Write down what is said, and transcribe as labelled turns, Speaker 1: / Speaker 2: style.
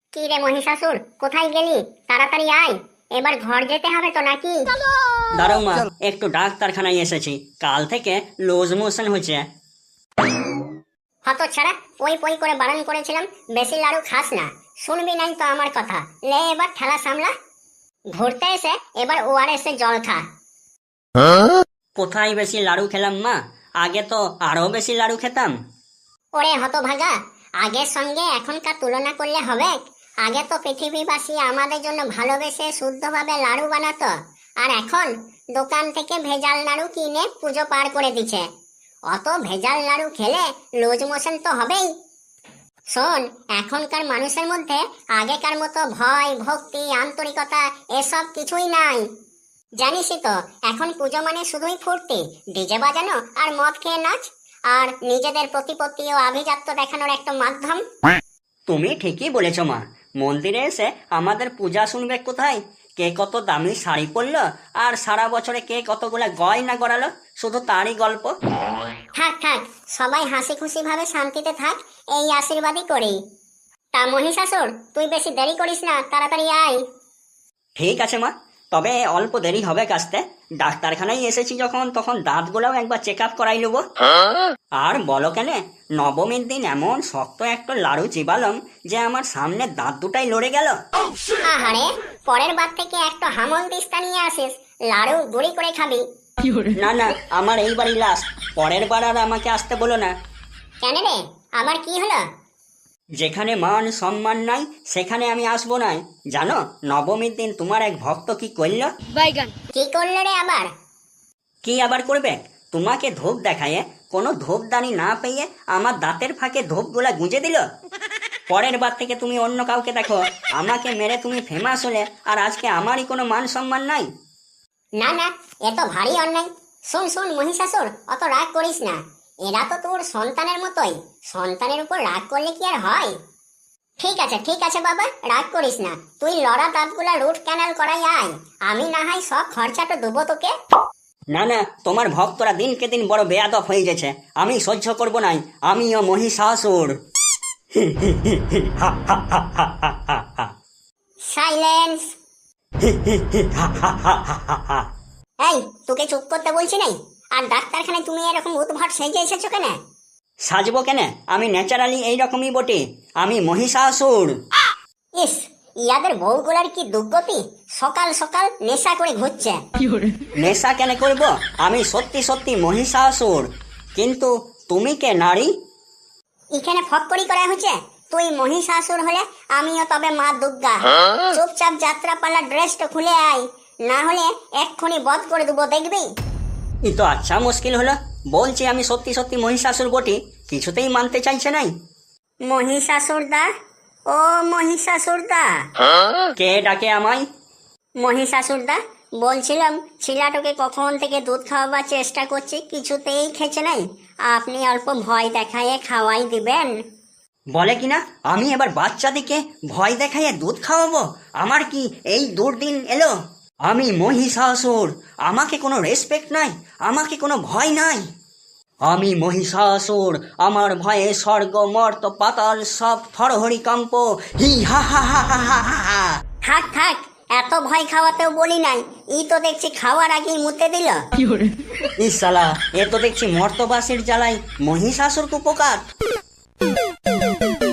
Speaker 1: কি রে মহিষাসুর, কোথায় গেলি? তাড়াতাড়ি আয়, এবার ঘর যেতে হবে তো নাকি?
Speaker 2: দাঁড়াও মা, একটু ডাক্তারখানায় এসেছি। কাল থেকে লুজ মোশন হচ্ছে।
Speaker 1: হত ছাড়া, পই পই করে বারণ করেছিলাম বেশি লাড়ু খাস না, শুনবি নাই তো আমার কথা। লে এবার ঠেলা সামলা, ঘুরতে এসে এবার ওআরএস এর জল খা।
Speaker 2: কোথায় বেশি লাড়ু খেলাম মা? আগে তো আরো বেশি লাড়ু খেতাম।
Speaker 1: ওরে হতভাগা, আগের সঙ্গে এখনকার তুলনা করলে হবে? আগে তো পৃথিবীবাসী আমাদের জন্য ভালোবেসে শুদ্ধভাবে লাড়ু বানাতো, আর এখন দোকান থেকে ভেজাল নাড়ু কিনে পুজো পার করে দিচ্ছে। অত ভেজাল নাড়ু খেলে লুজ মোশন তো হবেই। শোন, এখনকার মানুষের মধ্যে আগেকার মতো ভয়, ভক্তি, আন্তরিকতা এসব কিছুই নাই। জানিসই তো, এখন পুজো মানে শুধুই ফুর্তি, ডিজে বাজানো আর মদ খেয়ে নাচ, আর নিজেদের প্রতিপত্তি ও আভিজাত্য দেখানোর একটা মাধ্যম।
Speaker 2: তুমি ঠিকই বলেছ মা। মন্দিরে এসে আমাদের পূজা শুনবে কোথায়? কে কত দামি শাড়ি পরলো আর সারা বছরে কে কতগুলা গয়না গড়ালো, শুধু তারই গল্প।
Speaker 1: থাক থাক, সবাই হাসি খুশি ভাবে শান্তিতে থাক, এই আশীর্বাদই করি। তা মহিষাসুর, তুই বেশি দেরি করিস না, তাড়াতাড়ি আয়।
Speaker 2: ঠিক আছে মা, তবে অল্প দেরি হবে কাছতে। ডাক্তারখানায় এসেছি যখন, তখন দাঁতগুলোও একবার চেক আপ করাই নেবো। আর বলো কেন, নবমীর দিন এমন শক্ত একটা লাড়ু চিবালম যে আমার সামনে দাঁত দুটাই লড়ে গেল।
Speaker 1: আহারে, পরের বার থেকে একটা হামল দিস্তা নিয়ে আসিস, লাড়ু গুড়ি করে খাবি।
Speaker 2: না না, আমার এইবারই লাস্ট। পরের বার আর আমাকে আসতে বলো না।
Speaker 1: কেন রে, আবার কি হলো?
Speaker 2: যেখানে মান সম্মান নাই সেখানে আমি আসবো না। জানো, নবমীর দিন তোমার এক ভক্ত কি করল?
Speaker 1: কি করলো রে আবার?
Speaker 2: কি আবার করবে? তোমাকে ধূপ দেখায় কোনো ধূপদানি না পেয়ে আমার দাঁতের ফাঁকে ধূপগুলা গুঁজে দিল। পরের বার থেকে তুমি অন্য কাউকে দেখো, আমাকে মেরে তুমি ফেমাস হলে আর আজকে আমারই কোনো মান সম্মান নাই।
Speaker 1: না না, এ তো ভারী অন্যায়। শুন শুন মহিষাসুর, অত রাগ করিস না, এরা তো তোর সন্তানের মতোই, সন্তানের উপর রাগ করলে কি আর হয়? ঠিক আছে বাবা, রাগ করিস না, তুই লড়া দাঁতগুলা রুট ক্যানাল করাই আয়, আমি না হয় সব খরচাটা দেবো তোকে।
Speaker 2: না না, তোমার ভক্তরা দিনকে দিন বড় বেয়াদব হয়ে গেছে, আমি সহ্য করব নাই। আমিও মহিষাসুর।
Speaker 1: সাইলেন্স। এই, তোকে চুপ করতে বলছি নাই? আর ডাক্তারখানায় তুমি এরকম উদ্ভট সেজে এসেছো কেন?
Speaker 2: সাজবো কেন? আমি ন্যাচারালি এইরকমই বটে। আমি মহিষাসুর।
Speaker 1: ইস, ইয়াদের বউগুলার কি দুর্গতি, সকাল সকাল নেশা করে ঘুরছে।
Speaker 2: নেশা কেন করব? আমি সত্যি সত্যি মহিষাসুর। কিন্তু তুমি কে নারী?
Speaker 1: এখানে ফক্করি করা হচ্ছে। তুই মহিষাসুর হলে আমিও তবে মা দুর্গা। চুপচাপ যাত্রাপালা ড্রেসটা খুলে আয়, না হলে এক্ষুনি বধ করে দেবো, দেখবি?
Speaker 2: ই তো আচ্ছা মুশকিল হলো। বলছি আমি সত্যি সত্যি মহিষাসুর বটি, কিছুতেই মানতে চাইছে নাই।
Speaker 1: মহিষাসুর দা, ও মহিষাসুর দা।
Speaker 2: কে ডাকে আমায়?
Speaker 1: মহিষাসুর দা, বলছিলাম ছিলাটোকে কখন থেকে দুধ খাওয়াবার চেষ্টা করছি, কিছুতেই খেছে নাই, আপনি অল্প ভয় দেখায়ে খাওয়াই দিবেন।
Speaker 2: বলে কিনা আমি এবার বাচ্চাদিকে ভয় দেখাইয়ে দুধ খাওয়াবো? আমার কি এই দুর্দিন এলো? আমি মহিষাসুর, আমাকে কোনো রেসপেক্ট নাই, আমাকে কোনো ভয় নাই। আমি মহিষাসুর, আমার ভয়ে স্বর্গ মর্ত পাতাল সব থরহরি কম্প। হি হা হা হা হা হা হা হা।
Speaker 1: থাক থাক, এত ভয় খাওয়াতেও বলি নাই, ই তো দেখছি খাওয়ার আগেই মুতে দিল।
Speaker 2: ইসালা, এ তো দেখছি মর্তবাসীর জ্বালায় মহিষাসুর কুপকার।